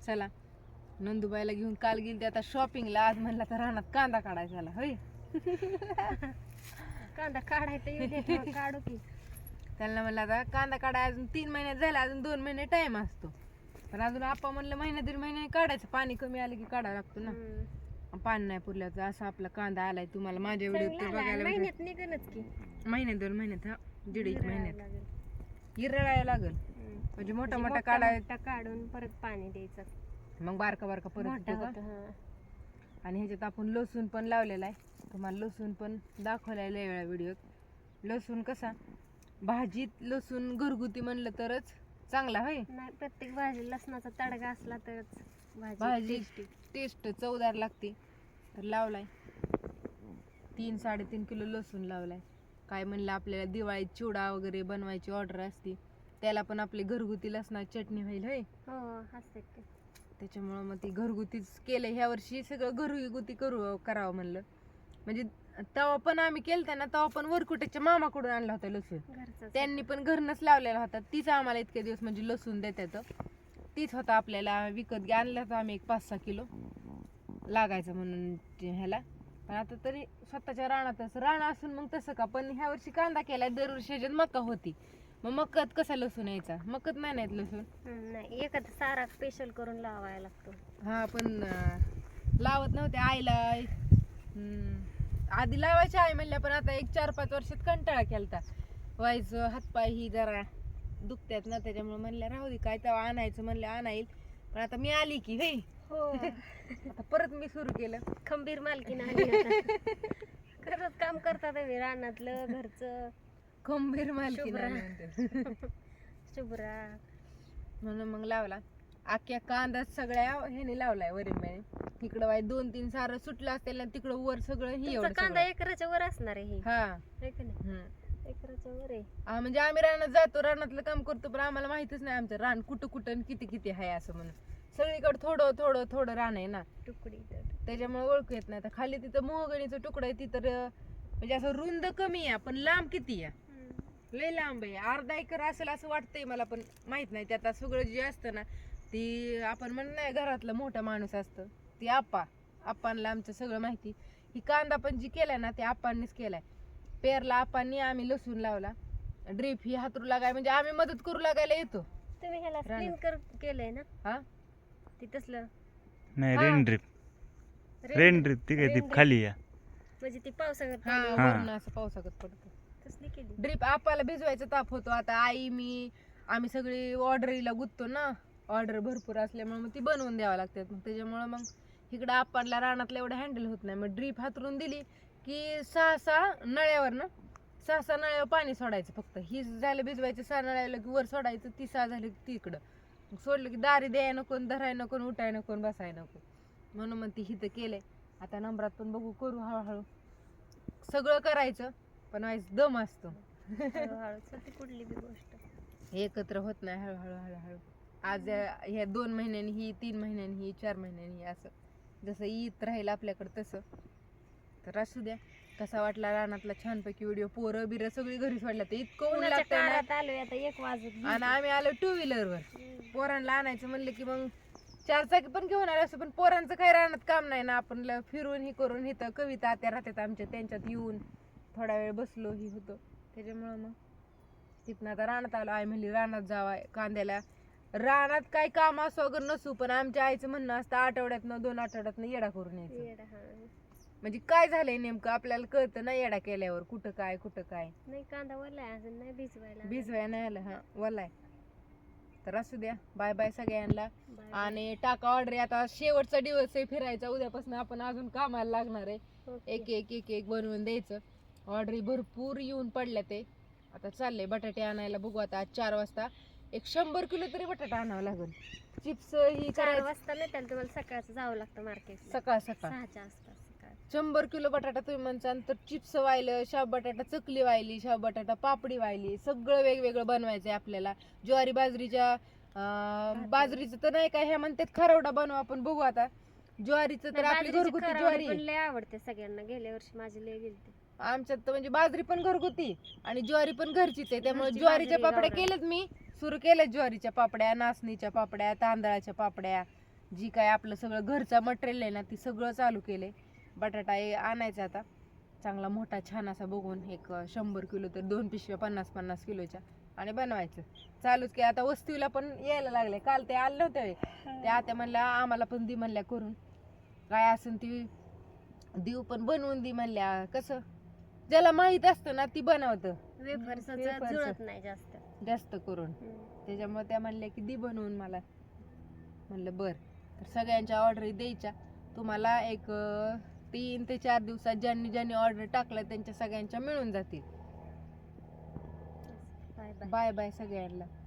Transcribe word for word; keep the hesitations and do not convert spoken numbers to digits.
चला नंदुबाईला घेऊन काल गेली आता शॉपिंगला, आज म्हणला तर रानात कांदा काढायचा झाला होय. कांदा काढायचा येऊ दे तेव्हा काढू की. त्यांना म्हणलं आता कांदा काढाय अजून तीन महिन्यात झाला, अजून दोन महिने टाइम असतो. पण अजून आपा म्हणलं महिना दीड महिने काढायचं, पाणी कमी आलं की काढावं लागतो ना. हम्म. पाणी नाही पुरल्याचं असा आपला कांदा आलाय. तुम्हाला माझ्या व्हिडिओ चांगला तर आला. बघायला महिन्यात निघणच की भेटेल. महिन्यात दोन महिन्यात हा दीड एक गिरायला महिन्यात लागेल. गिरळायला लागल. हम्म. म्हणजे मोठा म्हणजे मोठा काढाय मोठा काढून परत पाणी द्यायचं. मग बारका बारका परत मोठा येतो होतो, का? हा. आणि ह्याच्यात आपण लसूण पण लावलेला आहे. तुम्हाला लसूण पण दाखवलाय लय वेळा व्हिडिओत. लसूण कसा भाजीत लसूण घरगुती म्हणलं तरच चांगला होय. नाही प्रत्येक भाजी लसणाचा तडका असला तरच भाजी भाजी tasty. टेस्ट चवदार लागते. तर लावलाय तीन साडेतीन किलो लसूण लावलाय. काय म्हणलं आपल्याला दिवाळीत चिवडा वगैरे बनवायची ऑर्डर असते, त्याला पण आपली घरगुती लसणाची चटणी होईल होय. हो असते की. त्याच्यामुळं मग ती घरगुतीच केलं ह्या वर्षी, सगळं घरगुती करू करावं म्हणलं. म्हणजे तवा पण आम्ही केलता ना, तवा पण वरकुट्याच्या मामाकडून आणला होता लसूण. घरचंच त्यांनी पण घरनच लावलेला होता. तीच आम्हाला इतके दिवस म्हणजे लसूण देतात. तीच होता आपल्याला विकत घ्या आणला होता आम्ही एक पाच सहा किलो लागायचं म्हणून ते ह्याला. पण आता तरी स्वतःच्या रानातच रान असून मग तसं का. पण ह्या वर्षी कांदा केलाय, दरवर्षी ह्याच्यात मका होती. मग मक्यात कसा लसूण यायचा? मक्यात नाही नाहीत लसूण. हम्म, नाही एखादा सारा स्पेशल करून लावायला लागतो. हा पण अं, लावत नव्हते आईला. हम्म, आधी लावायची आई म्हणल्या, पण आता एक चार पाच वर्षात कंटाळा केलता. व्हायचं हातपाय ही जरा दुखत्यात ना, त्याच्यामुळे म्हणल्या राहू दे काय तेव्हा आणायचं म्हणलं आणाईल. पण आता मी आली की हे हो. आता परत मी सुरू केलं. खंबीर मालकीन आली आता. खरंच काम करतात तुम्ही रानातलं घरचं. खंबीर मालकी शुभ्रा. म्हणून शुभ्रा मग लावला अख्ख्या कांदा सगळ्या ह्याने लावलाय वरील महिने. इकडं वाय दोन तीन सारं सुटलं असतील ना, तिकडं वर सगळं ही तुमचा एवढं कांदा सगळं. एकराच्या वर असणार आहे हे. हा है का नाही? हम्म. एकराच्या वर आहे. हा, म्हणजे आम्ही रानात जातो, रानातलं काम करतो, पण आम्हाला माहितच नाही आमचं रान कुठं कुठं आणि किती किती आहे असं म्हणून. सगळीकडे थोडं थोडं थोडं रान आहे ना, तुकडी तर. त्याच्यामुळे ओळखू येत नाही. तर खाली तिथं मोहगणीचं तुकडं आहे, तिथं र- म्हणजे असं रुंद कमी आहे पण लांब किती आहे, हम्म. लय लांब आहे. अर्धा एकर असेल असं वाटतंय मला, पण माहित नाही. त्यात सगळं जे असतं ना, ती आपण म्हणत नाही घरातला मोठा माणूस असतं, ती आप्पा आप्पांना आमचं सगळं माहिती. ही कांदा पण जी केलाय ना, ते आप्पांनीच केलाय. पेरला आप्पांनी, आम्ही लसूण लावला. ड्रीप ही हातरू लागाय म्हणजे आम्ही मदत करू लागायला येतो. तुम्ही ह्याला रानात. स्प्रिंकलर केलंय ना? हा ती तसलं नाही हा. Rain drip. Rain rain drip ती काय ती रेन ड्रिप. खाली या. म्हणजे ती पावसाळ्यात हा पाणी हा. वरून असं पावसागत पडतं. तसली केली. ड्रीप आपाला भिजवायचा ताप होतो. आता आई मी आम्ही सगळी ऑर्डरीला गुंततो ना, ऑर्डर भरपूर असल्यामुळे मग ती बनवून द्यावं लागतात. मग त्याच्यामुळे मग इकडं आपाला रानातलं एवढं हँडल होत नाही. मग ड्रीप हातरून दिली की सहा सहा नळ्यावर ना सहा सहा नळ्यावर पाणी सोडायचं. फक्त ही झालं भिजवायचं, सहा नळ्याला की वर सोडायचं, ती सहा झाली की तिकडं मग सोडलं की दारी द्याय नको, धराय नको, उठाय नको, बसाय नको. म्हणून मग ती हिथं केलंय. आता नंबरात पण बघू करू हळूहळू. सगळं करायचं पण व्हायचं दम असतो. हळूहळू ती कुठली बी गोष्ट एकत्र होत नाही. हळूहळू हळूहळू आज ह्या दोन महिन्यांनी ही, तीन महिन्यांनी ही, चार महिन्यांनी ही, असं जसं येत राहील आपल्याकडे तसं. तर असू द्या. कसा वाटला रानातला छानपैकी व्हिडिओ? पोरं बिरं सगळी घरी सोडल्या, तर इतकं ऊन उन्हाच्या लागतंय ना. काळात आलोय आता एक वाजत आणि आम्ही आलो टू व्हीलरवर. हम्म. पोरांना आणायचं म्हणलं की मग चार चाकी पण घेऊन आलो असं, पण पोरांचं काही रानात काम नाही ना. आपण ल- फिरून ही करून इथं कविता आत्या राहतात आमच्या, त्यांच्यात येऊन थोडा वेळ बसलो ही होतं. त्याच्यामुळं मग तिथनं आता रानात आलो. आई म्हणली रानात जावा कांद्याला. रानात काय काम असो अगर नसू, पण आमच्या आईचं म्हणणं असतं आठवड्यातनं दोन आठवड्यातनं येडा करून यायचं. येडा, हा. म्हणजे काय झालंय नेमकं आपल्याला कळतं ना येडा केल्यावर, कुठं काय कुठं काय. नाही कांदा वरला आहे अजून नाही भिजवायला. भिजवाय नाही आलं. हा वलाय. तर असू द्या. बाय बाय सगळ्यांना. बाय. आणि टाका ऑर्डर. आता शेवटचा दिवस आहे फिरायचा, उद्यापासून आपण अजून कामाला लागणार आहे. ओके. एक एक एक एक बनवून द्यायचं. ऑर्डरी भरपूर येऊन पडल्या. ते आता चाललंय बटाटे आणायला. बघू आता आज चार वाजता एक शंभर किलो तरी बटाटा आणावं लागेल. चिप्स ही चार करायचं वाजता नाही त्याला तुम्हाला सकाळचं जावं लागतं मार्केट. सकाळ सकाळ. सहाच्या आसपास सकाळ. शंभर किलो बटाटा तुम्ही म्हणसान तर चिप्स व्हायलं, शाब बटाटा चकली व्हायली, शाब बटाटा पापडी व्हायली, सगळं वेगवेगळं बनवायचंय आपल्याला. ज्वारी बाजरीच्या अं, बाजरीचं तर नाही काय ह्या म्हणतात खरवडा बनवू आपण. बघू आता. ज्वारीचं तर आपली बाजरीची घरगुती खरावडी ज्वारी पण लय आवडते सगळ्यांना. गेल्या वर्षी माझी लय गेलते. आमच्यात तर म्हणजे बाजरी पण घरगुती आणि ज्वारी पण घरचीच आहे. त्यामुळे घरची ज्वारीच्या बाजरी पापड्या गावरान. केल्यात मी. सुरू केल्यात ज्वारीच्या पापड्या, नाचणीच्या पापड्या, तांदळाच्या पापड्या. जी काय आपलं सगळं घरचं मटेरियल आहे ना ती सगळं चालू केलंय. बटाटा हे आणायचा आता चांगला मोठा छान असा बघून, एक शंभर किलो तर दोन पिशव्या पन्नास पन्नास किलोच्या, आणि बनवायचं चालूच की. आता वस्तीला पण यायला लागले, काल ते आले नव्हते ते आता म्हणल्या आम्हाला पण दी म्हणल्या करून, काय असेल ती देऊ पण बनवून दी म्हणल्या. कसं ज्याला माहित असतं ना ती बनवतं वेफर्स वेफर्स. जुळत नाही जास्त. जास्त करून, हम्म. त्याच्यामुळे त्या म्हणल्या की दी बनवून मला. म्हणलं बर. तर सगळ्यांच्या ऑर्डर द्यायच्या तुम्हाला, एक अं, तीन ते चार दिवसात ज्यांनी ज्यांनी ऑर्डर टाकलं त्यांच्या सगळ्यांच्या मिळून जातील. Bye bye. बाय बाय सगळ्यांना.